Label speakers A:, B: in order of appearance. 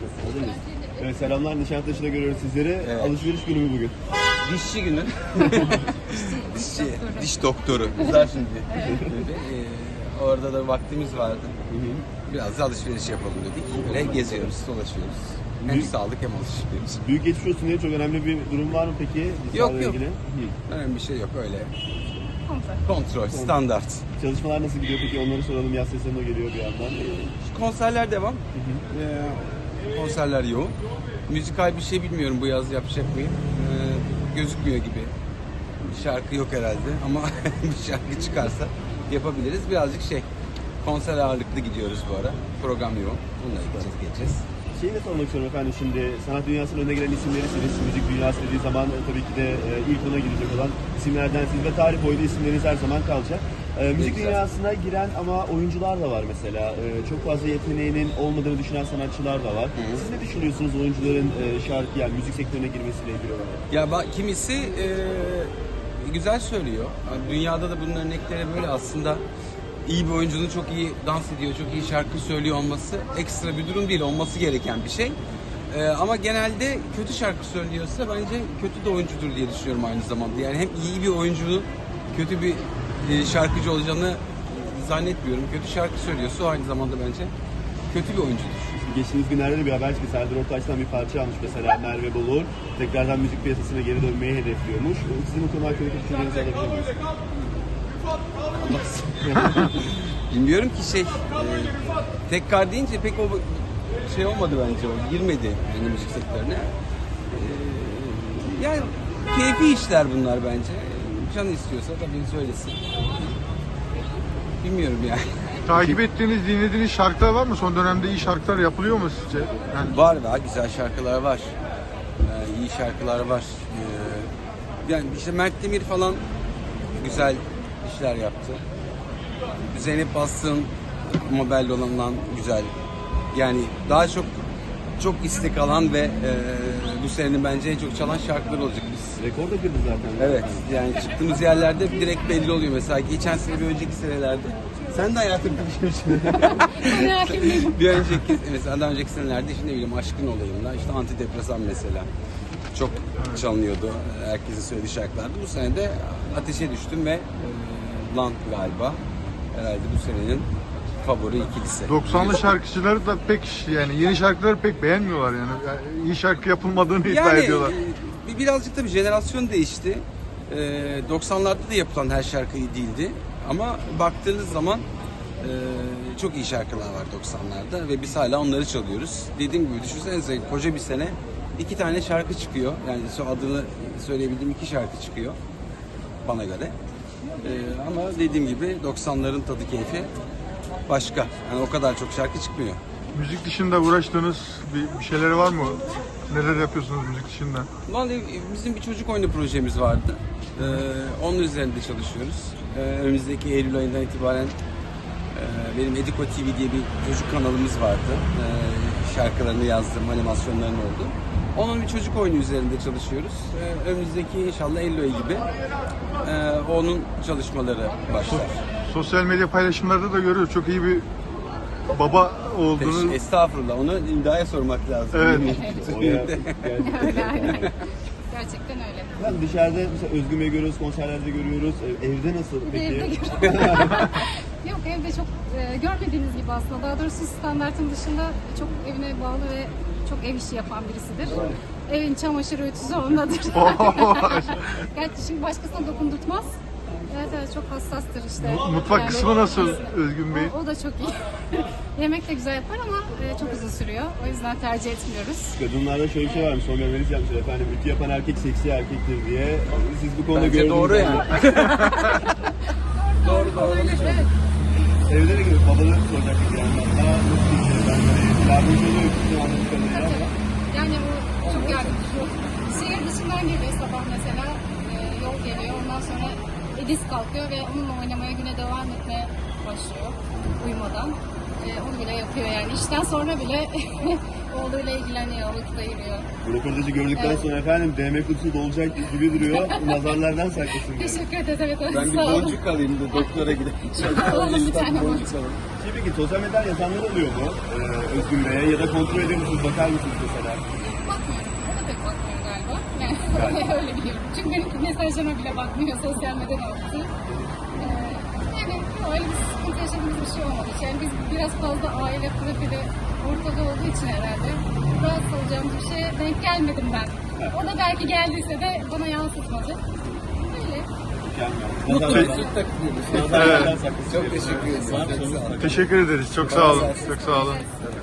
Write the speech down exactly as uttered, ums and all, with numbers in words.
A: Hazır mıyız? Evet, selamlar. Nişantaşı'da görüyoruz sizleri.
B: Evet.
A: Alışveriş günü mü bugün?
B: Dişçi günü. Dişçi, diş doktoru. Güzel şimdi. Ee, orada da vaktimiz vardı. Biraz da alışveriş yapalım dedik. Böyle geziyoruz, dolaşıyoruz. Hem
A: Büyük-
B: sağlık hem alışveriş.
A: Büyük geçmiş olsun diye çok önemli bir durum var mı peki?
B: Yok,
A: Sağlıkla
B: yok.
A: ilgili? Hı.
B: Önemli bir şey yok öyle.
C: Kontrol.
B: Kontrol, standart.
A: Çalışmalar nasıl gidiyor peki? Onları soralım. Yaz sezonu geliyor bir yandan.
B: Konserler devam. Ee, konserler yoğun. Müzikal bir şey bilmiyorum bu yaz yapacak mıyım. Ee, gözükmüyor gibi. Bir şarkı yok herhalde ama bir şarkı çıkarsa yapabiliriz. Birazcık şey, konser ağırlıklı gidiyoruz bu ara. Program yoğun. Bununla gideceğiz, geçeceğiz.
A: Şeyi de sormak istiyorum efendim, şimdi sanat dünyasının önüne gelen isimlerisiniz. Müzik dünyası dediği zaman e, tabii ki de e, ilk ona girecek olan isimlerdensiniz ve tarih boyu da isimleriniz her zaman kalacak. E, müzik
B: güzel.
A: dünyasına giren ama oyuncular da var mesela. E, çok fazla yeteneğinin olmadığını düşünen sanatçılar da var.
B: Hı.
A: Siz ne düşünüyorsunuz oyuncuların e, şarkı yani müzik sektörüne girmesiyle ilgili olarak?
B: Ya bak, kimisi e, güzel söylüyor. Yani dünyada da bunun örnekleri böyle aslında. İyi bir oyuncunun çok iyi dans ediyor, çok iyi şarkı söylüyor olması ekstra bir durum değil, olması gereken bir şey. E, ama genelde kötü şarkı söylüyorsa bence kötü de oyuncudur diye düşünüyorum aynı zamanda. Yani hem iyi bir oyuncunun kötü bir e, şarkıcı olacağını zannetmiyorum. Kötü şarkı söylüyorsa o aynı zamanda bence kötü bir oyuncudur.
A: Geçtiğimiz günlerde de bir haber çıktı. Serdar Ortaç'tan bir parça almış mesela Merve Bolur. Tekrardan müzik piyasasına geri dönmeyi hedefliyormuş. Sizin bu konu hakkındaki düşüncelerinizi alabilir miyiz?
B: Bilmiyorum ki şey, e, tekrar deyince pek o şey olmadı bence, o girmedi yani müzik sektörüne. E, yani keyfi işler bunlar bence. Canı istiyorsa tabii söylesin. Bilmiyorum yani.
D: Takip ettiğiniz, dinlediğiniz şarkılar var mı? Son dönemde iyi şarkılar yapılıyor mu sizce? Yani
B: Var var, güzel şarkılar var. Ee, iyi şarkılar var. Ee, yani işte Mert Demir falan güzel işler yaptı. Zeynep Bastık'ın Mobile olanından güzel. Yani daha çok çok istek alan ve e, bu senenin bence en çok çalan şarkılar olacak biz.
A: Rekor da kırdı zaten.
B: Evet, yani çıktığımız yerlerde direkt belli oluyor. Mesela geçen sene bir önceki senelerde. Sen de hayatında bir şey Bir önceki, mesela daha önceki senelerde işte ne bileyim Aşkın Olayı'nda işte Antidepresan mesela çok çalınıyordu. Herkesin söylediği şarkılardı. Bu sene de Ateşe Düştüm ve e, Land galiba. Herhalde bu senenin favori ikilisi.
D: doksanlı şarkıcıları da pek yani yeni şarkıları pek beğenmiyorlar yani. Yani iyi şarkı yapılmadığını iddia
B: Yani
D: ediyorlar.
B: e, birazcık da bir jenerasyon değişti. E, doksanlarda da yapılan her şarkı iyi değildi. Ama baktığınız zaman e, çok iyi şarkılar var doksanlarda ve biz hala onları çalıyoruz. Dediğim gibi düşünsenize koca bir sene iki tane şarkı çıkıyor. Yani adını söyleyebildiğim iki şarkı çıkıyor bana göre. E, ama dediğim gibi doksanların tadı keyfi başka. Yani o kadar çok şarkı çıkmıyor.
D: Müzik dışında uğraştığınız bir, bir şeyleri var mı? Neler yapıyorsunuz müzik dışında?
B: Vallahi bizim bir çocuk oyunu projemiz vardı. Ee, onun üzerinde çalışıyoruz. Ee, önümüzdeki Eylül ayından itibaren e, benim Ediko T V diye bir çocuk kanalımız vardı. Ee, şarkılarını yazdım, animasyonlarını oldu. Onun bir çocuk oyunu üzerinde çalışıyoruz. Ee, önümüzdeki inşallah Eylül ayı gibi e, onun çalışmaları başlar.
D: Sosyal medya paylaşımlarda da görüyoruz. Çok iyi bir baba olduğunu.
B: Estağfurullah, onu İmda'ya sormak lazım.
D: Evet.
A: O ya, gerçekten.
C: Öyle aynen. Gerçekten öyle.
A: Ben dışarıda mesela Özgün Bey'i görüyoruz, konserlerde görüyoruz. E, Evde nasıl peki?
C: Evde Yok, evde çok e, görmediğiniz gibi aslında. Daha doğrusu standartın dışında çok evine bağlı ve çok ev işi yapan birisidir. Evin çamaşır ütüsü ondadır. Gerçi şimdi başkasına dokundurtmaz. Evet evet, çok hassastır işte.
D: Mutfak
C: Yani
D: kısmı nasıl
C: kendisi-
D: Özgün Bey?
C: O, o da çok iyi. Yemek de güzel yapar ama e, çok uzun sürüyor. O yüzden tercih etmiyoruz.
A: Kadınlarda şöyle bir şey varmış, son görmeniz yapmışlar efendim. Ütü yapan erkek seksi erkektir diye. Siz bu konuda
B: Bence
A: gördünüz.
B: doğru
A: mü?
B: yani. Doğru doğru.
C: Olabilir, evet.
A: Evde de gibi babaları soracaktık yani. Daha nasıl bir şey? Ben böyle yardımcı oluyor sizin anladığım kadarıyla ama.
C: Yani bu çok yardımcı. Şehir dışından geliyor sabah mesela. E, yol geliyor. Ondan sonra Ediz kalkıyor ve onunla oynamaya, güne devam etmeye başlıyor uyumadan. E, onu bile yapıyor yani. İşten sonra bile oğluyla ilgileniyor, vakit ayırıyor.
A: Bu röportajı gördükten
C: Evet.
A: sonra efendim D M kutusu dolacak gibi duruyor. Nazarlardan saklasın diye.
C: Teşekkür ederiz. Evet,
B: Ben bir
C: sağ olun.
B: boncuk alayım da doktora gidelim.
C: Alalım bir tane
B: boncuk
C: boncuk.
B: alalım.
A: Şey peki sosyal medyadan yazanlar oluyor mu ee, Özgün Bey'e ya da kontrol ediyor musunuz, bakar mısınız mesela?
C: Bakmıyorum. O da pek bakmıyor galiba. Yani öyle biliyorum. Çünkü benim mesajlarıma bile bakmıyor sosyal medyada attı. Ee, yani öyle bir sıkıntı yaşadığımız bir şey olmadı. Yani biz biraz fazla aile profili ortada olduğu için herhalde rahatsız olacağımız bir şeye denk gelmedim ben. O da belki geldiyse de bana yansıtmadı. Öyle.
B: Mutlu
A: Nazar-
B: bir Türk takımıyız.
A: Nazarlardan saklasın
B: Çok
A: diyelim.
B: teşekkür ederim. Çok sağ olun.
D: Teşekkür ederiz. Çok sağ olun. Çok sağ olun.
C: Evet.